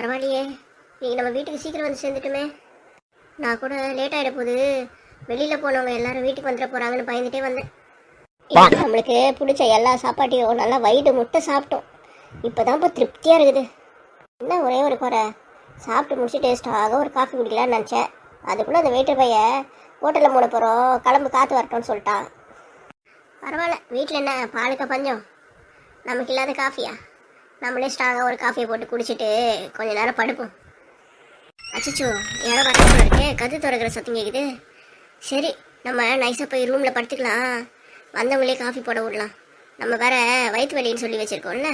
பரவாயில்லையே, நீங்கள் நம்ம வீட்டுக்கு சீக்கிரம் வந்து சேர்ந்துட்டுமே. நான் கூட லேட் ஆகிட போகுது, வெளியில் போனவங்க எல்லாரும் வீட்டுக்கு வந்துட போகிறாங்கன்னு பயந்துட்டே வந்தேன். இப்போ நம்மளுக்கு பிடிச்ச எல்லா சாப்பாட்டையும் நல்லா வயிறு முட்டை சாப்பிட்டோம். இப்போ தான் இப்போ திருப்தியாக இருக்குது. என்ன ஒரே ஒரு குறை, சாப்பிட்டு முடிச்சு டேஸ்ட்டாக ஒரு காஃபி குடிக்கலான்னு நினச்சேன். அதுக்குள்ளே அந்த வெயிட்டர் பையன் ஹோட்டலில் மூட போகிறோம், கிளம்பு காற்று வரட்டும்னு சொல்லிட்டான். பரவாயில்ல, வீட்டில் என்ன பாலுக்க பஞ்சம், நமக்கு இல்லாத காஃபியா? நம்மளே ஸ்ட்ராங்காக ஒரு காஃபியை போட்டு குடிச்சிட்டு கொஞ்ச நேரம் படுப்போம். அச்சோ, யாரோ வரப்போ இருக்கு, கது திறக்கிற சத்தம் கேட்குது. சரி, நம்ம நைஸாக போய் ரூமில் படுத்துக்கலாம், வந்தவங்களே காஃபி போட விடலாம். நம்ம வேற வயிற்று வலின்னு சொல்லி வச்சுருக்கோம்ல.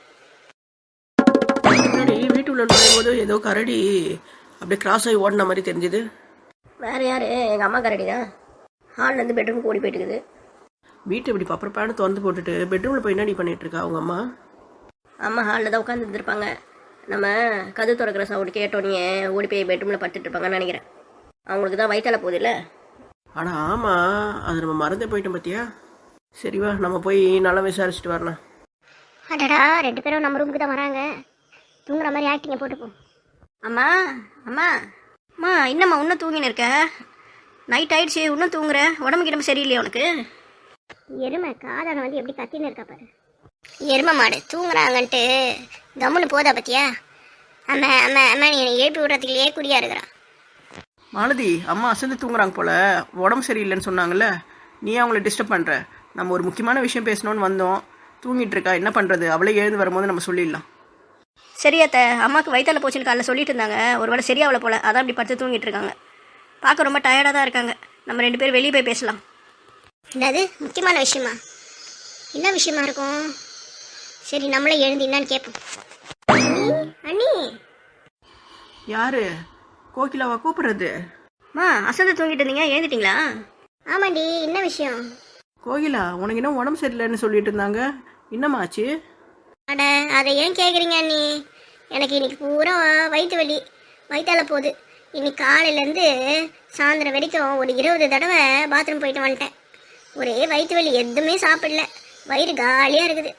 வீட்டுக்குள்ள நுழையும் போது ஏதோ கரடி அப்படியே கிராஸ் ஆகி ஓடின மாதிரி தெரிஞ்சுது. வேறு யார்? எங்கள் அம்மா கரடி தான். ஹால்லேருந்து பெட்ரூமுக்கு ஓடி போயிட்டு இருக்குது. வீட்டை இப்படி பப்பரப்பான திறந்து போட்டுட்டு பெட்ரூமில் போய் என்னடி பண்ணிட்டு இருக்கா அவங்க அம்மா? அம்மா ஹாலில் தான் உட்காந்து இருந்திருப்பாங்க. நம்ம கது திறக்கிற சவுண்டு கேட்டோன்னே ஓடி போய் பெட்ரூமில் படுத்துட்டு இருப்பாங்கன்னு நினைக்கிறேன். அவங்களுக்கு தான் வயிற்றால போகுது இல்லை? ஆனால் ஆமாம், அது நம்ம மறந்தே போயிட்டோம் பார்த்தியா. சரிவா, நம்ம போய் நல்லா விசாரிச்சுட்டு வரலாம். அடடா, 2 பேரும் நம்ம ரூமுக்கு தான் வராங்க. தூங்குற மாதிரி ஆக்டிங்க போட்டுப்போம். அம்மா அம்மா அம்மா, என்னம்மா இன்னும் தூங்கின்னு இருக்க? நைட் ஆயிடுச்சு, இன்னும் தூங்குற? உடம்பு கிடம்பு சரியில்லையா உனக்கு? எருமை காதான வந்து எப்படி கத்தின்னு இருக்கா பாரு. எருமை மாடு தூங்குறாங்கன்ட்டு கம்முன்னு போதா பத்தியா? அம்மா அம்மா அம்மா, நீ எழுப்பி விடுறதுக்குள்ளேயே குடியா இருக்கிறான். மாலதி, அம்மா அசந்து தூங்குறாங்க போல, உடம்பு சரியில்லைன்னு சொன்னாங்கல்ல, நீ அவங்கள டிஸ்டர்ப் பண்ணுற. நம்ம ஒரு முக்கியமான விஷயம் பேசணும்னு வந்தோம், தூங்கிட்டு இருக்கா, என்ன பண்ணுறது? அவளே எழுந்து வரும்போது நம்ம சொல்லிடலாம். சரியாத்த, அம்மாவுக்கு வயிற்றால போச்சுன்னு காலைல சொல்லிட்டு இருந்தாங்க. ஒரு வேளை சரியாவல போல, அதான் இப்படி படுத்து தூங்கிட்டு இருக்காங்க. பார்க்க ரொம்ப டயர்டாக தான் இருக்காங்க. நம்ம 2 பேரும் வெளியே போய் பேசலாம். என்னது முக்கியமான விஷயமா? என்ன விஷயமா இருக்கும்? சரி, நம்மளே எழுந்து என்னன்னு கேட்போம். அண்ணி, யாரு? கோகிலாவா கூப்பிடுறது? அம்மா அசந்து தூங்கிட்டு இருந்தீங்க, எழுந்துட்டீங்களா? ஆமாண்டி, என்ன விஷயம்? கோகிலா, உனக்கு என்ன உடம்பு சரியில்லைன்னு சொல்லிட்டு இருந்தாங்க, என்னம்மா ஆச்சு? அட, அதை ஏன் கேட்குறீங்க அண்ணி? எனக்கு இன்னைக்கு பூரா வயிற்று வலி, வயிற்றால போகுது. இன்னைக்கு காலையிலேருந்து சாயந்தரம் வரைக்கும் ஒரு 20 தடவை பாத்ரூம் போயிட்டு வந்துட்டேன். ஒரே வயிற்று வலி, எதுவுமே சாப்பிடல, வயிறு காலியாக இருக்குது.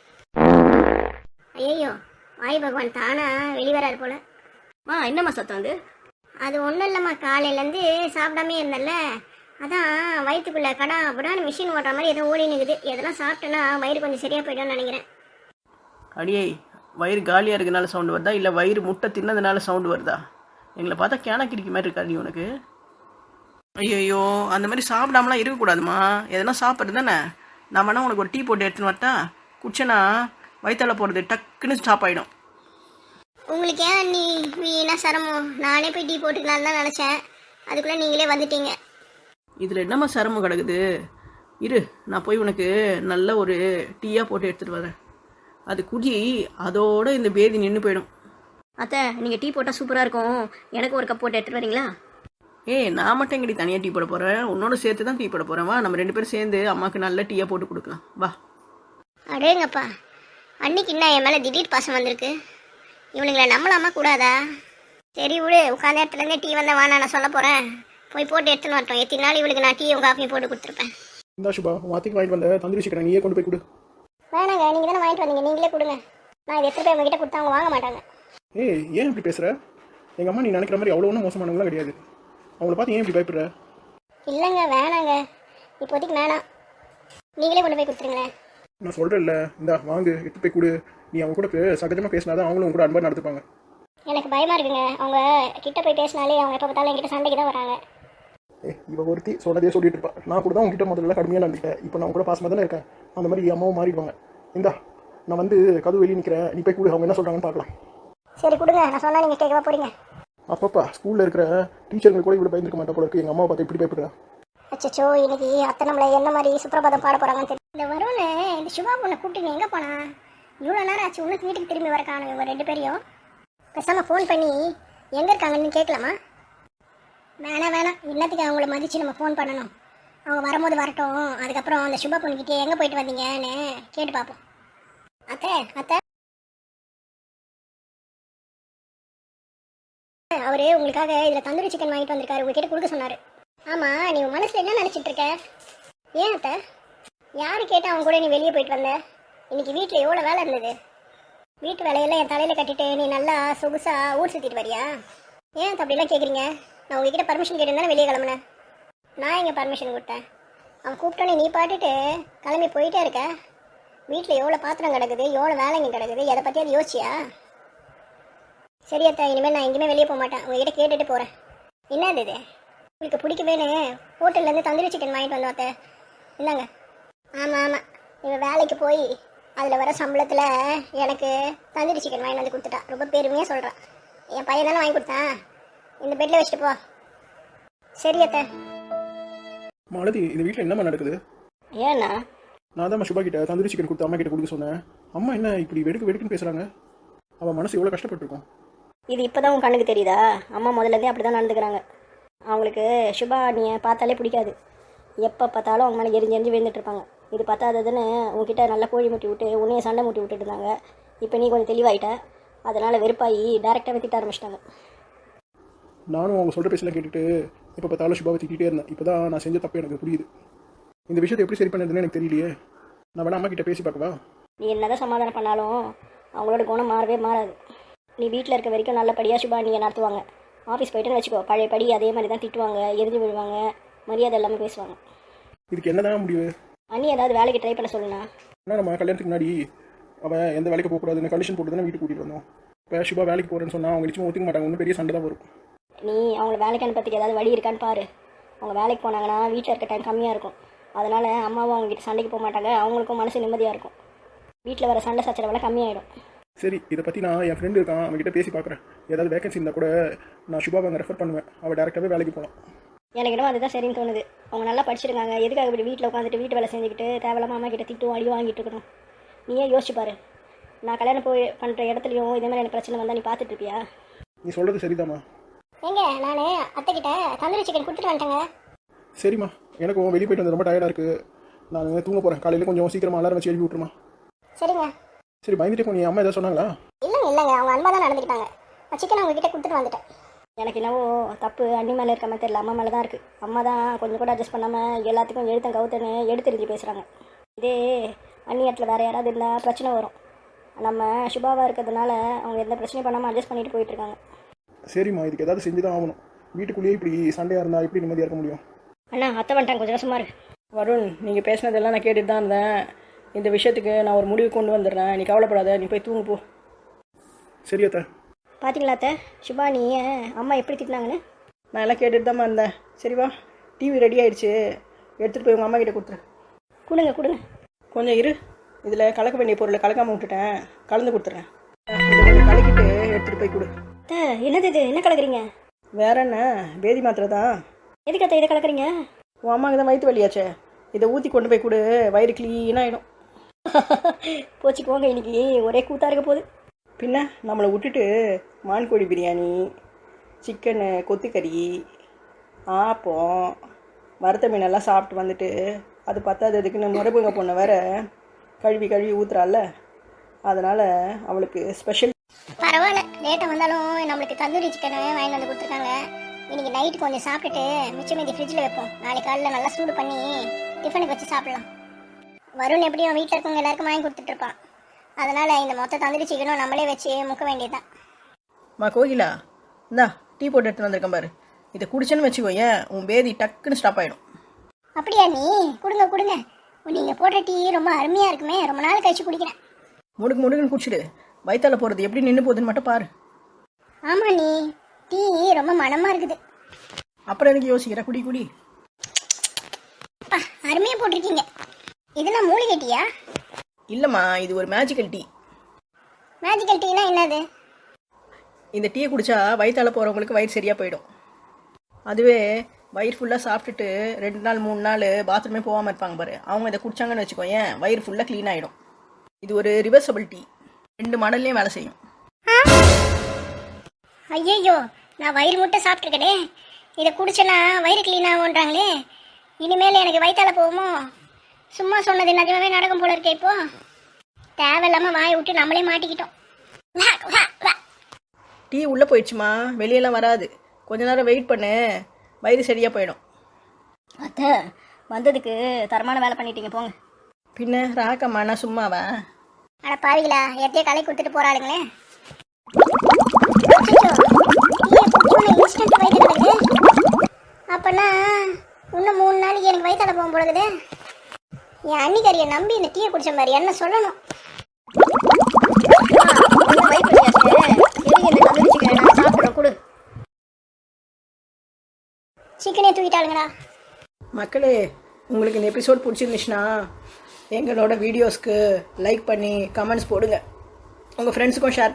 ஐயோ, வாய் பகவான் தானா வெளிவராரு போல. என்னம்மா சத்தம் வந்து? அது ஒன்றும் இல்லைம்மா, காலையிலேருந்து சாப்பிடாமே இருந்தேன்ல, அதான் வயிற்றுக்குள்ளே கடா அப்படின்னா மிஷின் ஓட்டுற மாதிரி ஏதோ ஓடி நிற்குது. எதெல்லாம் சாப்பிட்டேன்னா வயிறு கொஞ்சம் சரியாக போய்டும்னு நினைக்கிறேன். அடியே, வயிறு காலியாக இருக்கனால சவுண்டு வருதா, இல்லை வயிறு முட்டை தின்னதுனால சவுண்டு வருதா? எங்களை பார்த்தா கேன கிடிக்க மாதிரி இருக்கா நீ உனக்கு? ஐயோ, அந்த மாதிரி சாப்பிடாமலாம் இருக்கக்கூடாதுமா, எதனா சாப்பிட்றது தானே. நான் வேணா உனக்கு ஒரு டீ போட்டு எடுத்துன்னு வரட்டா? குடிச்சேன்னா வயிற்றால போகிறது டக்குன்னு ஸ்டாப் ஆகிடும். உங்களுக்கு ஏன் நீ வீணா சிரமம்? நானே போய் டீ போட்டுக்கலான்னு தான் நினச்சேன், அதுக்குள்ளே நீங்களே வந்துட்டீங்க. இதில் என்னம்மா சிரமம் கிடக்குது? இரு, நான் போய் உனக்கு நல்ல ஒரு டீயாக போட்டு எடுத்துகிட்டு வரேன். அது குடி, அதோட இந்த பேதி நின்று போயிடும். அத்தை, நீங்கள் டீ போட்டால் சூப்பராக இருக்கும், எனக்கு ஒரு கப் போட்டு எடுத்துகிட்டு வரீங்களா? நான் மட்டும் எங்கடி தனியாக டீ போட போகிறேன், உன்னோட சேர்த்து தான் டீ போட போகிறேன். வா, நம்ம 2 பேரும் சேர்ந்து அம்மாவுக்கு நல்ல டீயாக போட்டு கொடுக்கலாம், வா. அடேங்கப்பா, அன்னைக்கு என்ன என் மேலே திடீர் பாசம் வந்திருக்கு. இவனுங்களை நம்பலாமா கூடாதா? சரி விடு, உட்காந்த இடத்துலேருந்தே டீ வந்தால் வானா நான் சொல்ல போகிறேன். போய் போட்டு எடுத்துன்னு வரட்டும். எத்தனை நாள் இவளுக்கு நான் டீயும் காஃபியும் போட்டு கொடுத்துருப்பேன். இந்தா சுபா, வாத்திக்கு வாங்கிட்டு வந்த தந்தூரி சிக்கன் நீயே கொண்டு போய் கொடு. வேணாங்க, நீங்கள் தானே வாங்கிட்டு வந்தீங்க, நீங்களே கொடுங்க. நான் இதை எடுத்துகிட்டு போய் உங்ககிட்ட கொடுத்தா அவங்க வாங்க மாட்டாங்க. ஏன் இப்படி பேசுகிற? எங்கள் அம்மா நீ நினைக்கிற மாதிரி அவ்வளோ ஒன்றும் மோசமானவங்களாம் கிடையாது. அவங்கள பார்த்து ஏன் இப்படி பயப்படுற? இல்லைங்க, வேணாங்க, இப்போதைக்கு வேணாம், நீங்களே கொண்டு போய் கொடுத்துருங்களேன். நான் சொல்கிறேன்ல, இந்தா வாங்கு, எடுத்து போய் கொடு. நீ அவங்க கூட சகஜமாக பேசினாதான் அவங்களும் உங்க கூட அன்பாக நடத்துப்பாங்க. எனக்கு பயமாக இருக்குங்க, அவங்க கிட்ட போய் பேசினாலே அவங்க எப்போ பார்த்தாலும் என்கிட்ட சண்டைக்கு தான் வராங்க. இவ ஒருத்தி சொன்னதே சொல்லிட்டு இருப்பா. நான் கூட தான் உங்ககிட்ட முதல்ல கடுமையாக நடந்துட்டேன், இப்போ நான் கூட பாசமாக தானே இருக்கேன். அந்த மாதிரி அம்மாவும் மாறிடுவாங்க. இந்தா, நான் வந்து கதவு வெளியே நிற்கிறேன், நீ போய் கூட அவங்க என்ன சொல்கிறாங்கன்னு பார்க்கலாம். சரி கொடுங்க, நான் சொன்னால் நீங்கள் கேட்கவா போறீங்க? அப்பப்பா ஸ்கூலில் இருக்கிற டீச்சருங்க கூட இவ்வளோ பயந்துருக்க மாட்டா போல இருக்கு. எங்கள் அம்மாவை பார்த்து இப்படி பயப்படுறா. அச்சோ, இன்னைக்கு அத்தை நம்மளை என்ன மாதிரி சுப்பிரபாதம் பாட போகிறாங்கன்னு தெரியும். இந்த வரும்னு இந்த சுபா பொண்ணை கூப்பிட்டு எங்கே போனா? இவ்வளோ நேரம் ஆச்சு, உனக்கு வீட்டுக்கு திரும்பி வர காணும். இவங்க 2 பேரையும் பேசாமல் ஃபோன் பண்ணி எங்கே இருக்காங்கன்னு கேட்கலாமா? வேணாம், இன்னத்துக்கு அவங்கள மதித்து நம்ம ஃபோன் பண்ணணும். அவங்க வரும்போது வரட்டும், அதுக்கப்புறம் அந்த சுபா பொண்ணுக்கிட்டே எங்கே போயிட்டு வந்தீங்கன்னு கேட்டு பார்ப்போம். அத்தை, அவரு உங்களுக்காக இதில் தந்தூரி சிக்கன் வாங்கிட்டு வந்திருக்காரு, உங்ககிட்ட கொடுக்க சொன்னார். ஆமாம், நீ உன் மனசில் என்ன நினச்சிட்டு இருக்க? ஏன் அத்தை, யாரு கேட்டால் அவங்க கூட நீ வெளியே போயிட்டு வந்த? இன்னைக்கு வீட்டில் எவ்வளோ வேலை இருந்தது. வீட்டு வேலையெல்லாம் என் தலையில் கட்டிட்டு நீ நல்லா சொகுசா ஊர் சுற்றிட்டு வரியா? ஏன் அப்படிலாம் கேட்குறீங்க? நான் உங்ககிட்ட பர்மிஷன் கேட்டிருந்தானே வெளியே கிளம்புனேன். நான் எங்கே பர்மிஷன் கொடுத்தேன்? அவன் கூப்பிட்டோன்னே நீ பாட்டுட்டு கிளம்பி போயிட்டே இருக்க. வீட்டில் எவ்வளோ பாத்திரம் கிடக்குது, எவ்வளோ வேலைங்க கிடக்குது, எதை பற்றி அது யோசிச்சியா? சரியத்தா, இனிமேல் நான் எங்கேயுமே வெளியே போக மாட்டேன். உங்ககிட்ட கேட்டுட்டு போகிறேன். என்னது இது? உங்களுக்கு பிடிக்குமேனு ஹோட்டல்லேருந்து தந்தூரி சிக்கன் வாங்கிட்டு வந்தோம் அத்தை. என்னங்க? ஆமாம் ஆமாம், இவன் வேலைக்கு போய் அதில் வர சம்பளத்தில் எனக்கு தந்தூரி சிக்கன் வாங்கிட்டு வந்து கொடுத்துட்டா. ரொம்ப பெருமையாக சொல்கிறான். என் பையன் தானே வாங்கி கொடுத்தான். இந்த பெட்டில் வச்சுட்டு போ. சரி அத்தை. மாலதி, இந்த வீட்டில் என்னம்மா நடக்குது? ஏண்ணா? நான் தான் சுபா கிட்ட தந்தூரி சிக்கன் கொடுத்து அம்மா கிட்ட கொடுக்க சொன்னேன். அம்மா என்ன இப்படி வெடுக்கு வெடுக்குன்னு பேசுகிறாங்க? அவன் மனசு எவ்வளோ கஷ்டப்பட்டுருக்கும். இது இப்போ தான் உன் கண்ணுக்கு தெரியுதா? அம்மா முதல்லேருந்தே அப்படி தான் நடந்துக்கிறாங்க. அவங்களுக்கு சுபா நீ பார்த்தாலே பிடிக்காது. எப்போ பார்த்தாலும் அவங்க மேலே எரிஞ்சு விழுந்துட்டுருப்பாங்க. இது பத்தாததுன்னு உங்ககிட்ட நல்லா கோழி முட்டி விட்டு உன்னைய சண்டை முட்டி விட்டுட்டு இருந்தாங்க. இப்போ நீ கொஞ்சம் தெளிவாயிட்ட. அதனால் வெறுப்பாகி டேரெக்டாகவே திட்ட ஆரம்பிச்சிட்டாங்க. நானும் அவங்க சொல்கிற பேசலாம் கேட்டுட்டு இப்போ பார்த்தாலும் சுபாவை திட்டிகிட்டே இருந்தேன். இப்போ தான் நான் செஞ்ச தப்பு எனக்கு புரியுது. இந்த விஷயத்தை எப்படி சரி பண்ணதுன்னு எனக்கு தெரியலையே. நான் வேணா அம்மா கிட்ட பேசி பார்க்கவா? நீ என்னதான் சமாதானம் பண்ணாலும் அவங்களோட குணம் மாறவே மாறாது. நீ வீட்டில் இருக்க வரைக்கும் நல்லபடியாக சுபா நீங்கள் நடத்துவாங்க. ஆஃபீஸ் போய்ட்டுன்னு வச்சுக்கோ, பழைய படி அதே மாதிரி தான் திட்டுவாங்க, எரிஞ்சு விழுவாங்க, மரியாதை எல்லாமே பேசுவாங்க. இதுக்கு என்னதான் முடிவு? அண்ணி ஏதாவது வேலைக்கு ட்ரை பண்ண சொல்லுண்ணா. ஏன்னா நம்ம கல்யாணத்துக்கு முன்னாடி அவன் எந்த வேலைக்கு போகக்கூடாதுன்னு கண்டிஷன் போட்டு தானே வீட்டுக்கு கூட்டிகிட்டு வந்தோம். இப்போ சுபா வேலைக்கு போகிறேன்னு சொன்னால் அவங்க நிச்சயமாக ஒத்துக்க மாட்டாங்க. ஒன்றும் பெரிய சண்டை தான் வரும். நீ அவங்கள வேலைக்கு அனுப்பறதுக்கு ஏதாவது வழி இருக்கான்னு பாரு. அவங்க வேலைக்கு போனாங்கன்னா வீட்டில் இருக்க டைம் கம்மியாக இருக்கும். அதனால் அம்மாவும் அவங்ககிட்ட சண்டைக்கு போக மாட்டாங்க. அவங்களுக்கும் மனசு நிம்மதியாக இருக்கும். வீட்டில் வர சண்டை சச்சரவெல்லாம் கம்மியாயிடும். சரி, இதை பற்றி நான் என் ஃப்ரெண்டு இருக்கான், அவங்ககிட்ட பேசி பார்க்குறேன். ஏதாவது வேகன்சி இருந்தால் கூட நான் சுபாவை அங்கே ரெஃபர் பண்ணுவேன். அவள் டேரெக்டாகவே வேலைக்கு போகலாம். எனக்கு இன்னும் அதுதான் சரின்னு தோணுது. அவங்க நல்லா படிச்சிருக்காங்க. எதுக்காக இப்படி வீட்டில் உட்காந்துட்டு வீட்டு வேலை செஞ்சுக்கிட்டு தேவையில்லாம அம்மா கிட்ட திட்டும் அடி வாங்கிட்டு இருக்கணும்? நீயே யோசிச்சு பாரு. நான் கல்யாணம் போய் பண்ணுற இடத்துலையும் இதே மாதிரி எனக்கு பிரச்சனை வந்தால் நீ பார்த்துட்டு இருப்பியா? நீ சொல்கிறது சரிதாம்மா. ஏங்க, நான் அத்தைக்கிட்ட தந்தூரி சிக்கன் கொடுத்துட்டு வந்துட்டேங்க. சரிம்மா, எனக்கும் வெளியே போயிட்டு வந்து ரொம்ப டயர்டாக இருக்குது. நான் தூங்க போகிறேன். காலையில் கொஞ்சம் சீக்கிரமாக அலாரம் வச்சு எழுப்பி விட்டுருமா? சரிங்க. சரி, பயந்துட்டு போய் அம்மா ஏதாவது சொன்னாங்களா? இல்லைங்க, அவங்க அன்பா தான் நடந்துக்கிட்டாங்க. நான் சிக்கன் உங்ககிட்ட கொடுத்துட்டு வந்துட்டேன். எனக்கு என்னவோ தப்பு அண்ணி மேலே இருக்க மாதிரி தெரியல, அம்மா மேலே தான் இருக்குது. அம்மா தான் கொஞ்சம் கூட அட்ஜஸ்ட் பண்ணாமல் எல்லாத்துக்கும் எழுத்தன் கவுத்தன்னு எடுத்தெறிஞ்சு பேசுகிறாங்க. இதே அண்ணி இடத்துல வேறு யாராவது இருந்தால் பிரச்சனை வரும். நம்ம சுபாவாக இருக்கிறதுனால அவங்க எந்த பிரச்சனையும் பண்ணாமல் அட்ஜஸ்ட் பண்ணிட்டு போயிட்டுருக்காங்க. சரிம்மா, இதுக்கு ஏதாவது செஞ்சு தான் ஆகணும். வீட்டுக்குள்ளேயே இப்படி சண்டையாக இருந்தால் எப்படி நிம்மதியாக இருக்க முடியும்? அண்ணா அத்தை வந்துட்டாங்க, கொஞ்சம் கஷ்டமாக இருக்கு. வருண், நீங்கள் பேசினதெல்லாம் நான் கேட்டுட்டு தான் இருந்தேன். இந்த விஷயத்துக்கு நான் ஒரு முடிவு கொண்டு வந்துடுறேன். நீ கவலைப்படாத, நீ போய் தூங்கு போ. சரி அத்தை. பார்த்தீங்களா அத்தை, சுபா நீ அம்மா எப்படி திட்டினாங்கன்னு? நான் எல்லாம் கேட்டுட்டு தான் இருந்தேன். சரி வா, டிவி ரெடி ஆயிடுச்சு, எடுத்துகிட்டு போய் உங்கள் அம்மா கிட்ட கொடுத்துரு. கொடுங்க. கொஞ்சம் இரு, இதில் கலக்க வேண்டிய பொருளை கலக்காமல் விட்டுட்டேன், கலந்து கொடுத்துட்றேன். இதை கொஞ்சம் கலக்கிட்டு எடுத்துகிட்டு போய் கொடு. அத்தை என்னது இது, என்ன கலக்குறீங்க? வேற என்ன, பேதி மாத்திரை தான். எதுக்கு அத்தை இதை கலக்குறீங்க? உன் அம்மாவுக்கு தான் வயிற்று வலியாச்சே, இதை ஊற்றி கொண்டு போய் கொடு, வயிறு க்ளீனாகிடும். போச்சுக்குவாங்க, இன்னைக்கு ஒரே கூத்தாக இருக்க போகுது. பின்ன நம்மளை விட்டுட்டு மான்கோழி பிரியாணி, சிக்கனு, கொத்துக்கறி, ஆப்பம், வறுத்த மீனெல்லாம் சாப்பிட்டு வந்துட்டு அது பத்தாததுக்குன்னு முறைப்புங்க பொண்ணை வேற கழுவி ஊற்றுறாள்ல, அதனால் அவளுக்கு ஸ்பெஷல். பரவாயில்ல, லேட்டாக வந்தாலும் நம்மளுக்கு தந்தூரி சிக்கனை வாங்கிட்டு வந்து கொடுத்துருக்காங்க. இன்னைக்கு நைட்டு கொஞ்சம் சாப்பிட்டுட்டு மிச்சம் மீதி ஃப்ரிட்ஜில் வைப்போம். நாளைக்கு காலையில் நல்லா சூடு பண்ணி டிஃபனுக்கு வச்சு சாப்பிடலாம். வருண் எப்படியும் வீட்டில் இருக்கவங்க எல்லாருக்கும் வாங்கி கொடுத்துட்ருப்பான். அதனால் இந்த மொத்த தந்தூரி சிக்கனும் நம்மளே வச்சு முக்க வேண்டியதுதான். கோகிலா, இந்தா டீ போட்டு எடுத்துன்னு வந்திருக்கேன் பாரு. இதை குடிச்சேன்னு வச்சுக்கோ, ஏன் உன் பேதி டக்குன்னு ஸ்டாப் ஆகிடும். அப்படியா? நீ கொடுங்க. நீங்கள் போட்ட டீ ரொம்ப அருமையாக இருக்குமே, ரொம்ப நாள் கழிச்சு குடிக்கிறேன். முடுக்குன்னு குடிச்சிடு, வயிற்றால போகிறது எப்படி நின்று போகுதுன்னு மட்டும் பாரு. ஆமாம், நீ டீ ரொம்ப மனமாக இருக்குது. அப்புறம் எனக்கு யோசிக்கிற, குடி. அப்பா, அருமையாக போட்டிருக்கீங்க. இதெல்லாம் மூலிகை டீயா? இல்லைம்மா, இது ஒரு மேஜிக்கல் டீ. மேஜிக்கல் டீனா என்னது? இந்த டீயை குடித்தா வயிற்றால போகிறவங்களுக்கு வயிறு சரியாக போயிடும். அதுவே வயிறு ஃபுல்லாக சாப்பிட்டுட்டு 2 நாள் 3 நாள் பாத்ரூமே போகாமல் இருப்பாங்க பாரு, அவங்க இதை குடிச்சாங்கன்னு வச்சுக்கோ, ஏன் வயிறு ஃபுல்லாக க்ளீன் ஆகிடும். இது ஒரு ரிவர்சபிள் டீ, 2 மாடல்லையும் வேலை செய்யும். ஐயோ, நான் வயிறு முட்டை சாப்பிட்ருக்கனே, இதை குடிச்சேன்னா வயிறு க்ளீன் ஆகுன்றாங்களே, இனிமேல் எனக்கு வயிற்றால போகுமோ? சும்மா சொன்னது நிஜமாவே நடக்கும் போல இருக்கே. இப்போ தேவையில்லாமல் வாயை விட்டு நம்மளே மாட்டிக்கிட்டோம். டீ உள்ளே போயிடுச்சுமா, வெளியெல்லாம் வராது. கொஞ்ச நேரம் வெயிட் பண்ணு, வயிறு சரியாக போயிடும். அத்தை வந்ததுக்கு தரமான வேலை பண்ணிட்டீங்க, போங்க. பின்ன ராக்கம்மா நான் சும்மாவா? அட பாவிகளா, எத்தையே களை கொடுத்துட்டு போறாளுங்களே. இன்ஸ்டன்ட் வயிற்று கிடக்குது. அப்பனா இன்னும் 3 நாளைக்கு எனக்கு வயிற்றால போகும் பொழுது என் அன்னிக்காரியை நம்பி இந்த டீயை குடிச்ச மாதிரி என்ன சொல்லணும். சிக்கனே தூக்கிட்டாளுங்களா. மக்களே, உங்களுக்கு இந்த எபிசோட் பிடிச்சிருந்துச்சுன்னா எங்களோட வீடியோஸ்க்கு லைக் பண்ணி கமெண்ட்ஸ் போடுங்க. உங்கள் ஃப்ரெண்ட்ஸுக்கும் ஷேர்